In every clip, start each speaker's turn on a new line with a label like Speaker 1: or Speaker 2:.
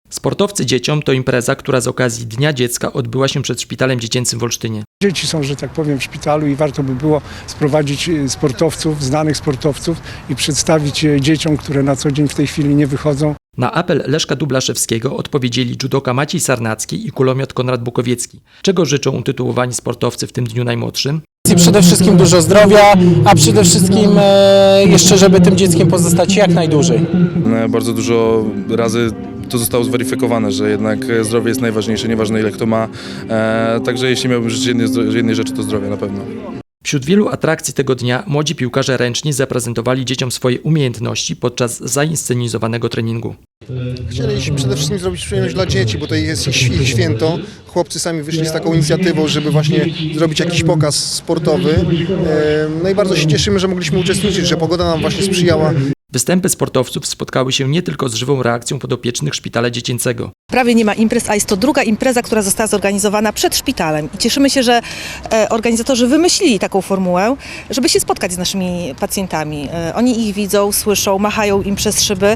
Speaker 1: Sportowcy dzieciom to impreza, która z okazji Dnia Dziecka odbyła się przed Szpitalem Dziecięcym w Olsztynie.
Speaker 2: Dzieci są, że tak powiem, w szpitalu i warto by było sprowadzić sportowców, znanych sportowców i przedstawić je dzieciom, które na co dzień w tej chwili nie wychodzą.
Speaker 1: Na apel Leszka Dublaszewskiego odpowiedzieli judoka Maciej Sarnacki i kulomiot Konrad Bukowiecki. Czego życzą utytułowani sportowcy w tym dniu najmłodszym?
Speaker 3: Przede wszystkim dużo zdrowia, a przede wszystkim jeszcze, żeby tym dzieckiem pozostać jak najdłużej.
Speaker 4: Bardzo dużo razy to zostało zweryfikowane, że jednak zdrowie jest najważniejsze, nieważne ile kto ma. Także jeśli miałbym życzyć jednej rzeczy, to zdrowie na pewno.
Speaker 1: Wśród wielu atrakcji tego dnia młodzi piłkarze ręczni zaprezentowali dzieciom swoje umiejętności podczas zainscenizowanego treningu.
Speaker 5: Chcieliśmy przede wszystkim zrobić przyjemność dla dzieci, bo to jest ich święto. Chłopcy sami wyszli z taką inicjatywą, żeby właśnie zrobić jakiś pokaz sportowy. No i bardzo się cieszymy, że mogliśmy uczestniczyć, że pogoda nam właśnie sprzyjała.
Speaker 1: Występy sportowców spotkały się nie tylko z żywą reakcją podopiecznych Szpitala Dziecięcego.
Speaker 6: Prawie nie ma imprez, a jest to druga impreza, która została zorganizowana przed szpitalem. I cieszymy się, że organizatorzy wymyślili taką formułę, żeby się spotkać z naszymi pacjentami. Oni ich widzą, słyszą, machają im przez szyby.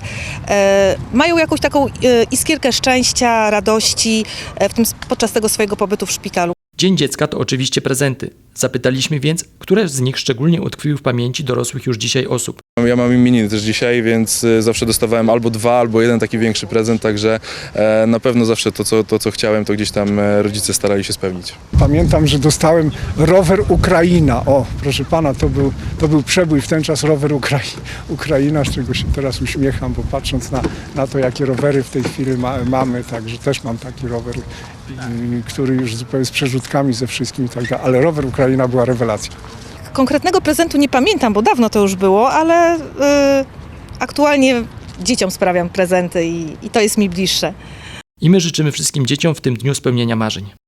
Speaker 6: Mają jakąś taką iskierkę szczęścia, radości podczas tego swojego pobytu w szpitalu.
Speaker 1: Dzień Dziecka to oczywiście prezenty. Zapytaliśmy więc, które z nich szczególnie utkwiły w pamięci dorosłych już dzisiaj osób.
Speaker 4: Ja mam imieniny też dzisiaj, więc zawsze dostawałem albo dwa, albo jeden taki większy prezent, także na pewno zawsze to, co chciałem, to gdzieś tam rodzice starali się spełnić.
Speaker 2: Pamiętam, że dostałem rower Ukraina. O, proszę pana, to był przebój w ten czas, rower Ukraina, z czego się teraz uśmiecham, bo patrząc na to, jakie rowery w tej chwili mamy, także też mam taki rower, który już zupełnie z przerzutkami ze wszystkim i tak dalej, ale rower Ukraina była rewelacja.
Speaker 6: Konkretnego prezentu nie pamiętam, bo dawno to już było, ale aktualnie dzieciom sprawiam prezenty i to jest mi bliższe.
Speaker 1: I my życzymy wszystkim dzieciom w tym dniu spełnienia marzeń.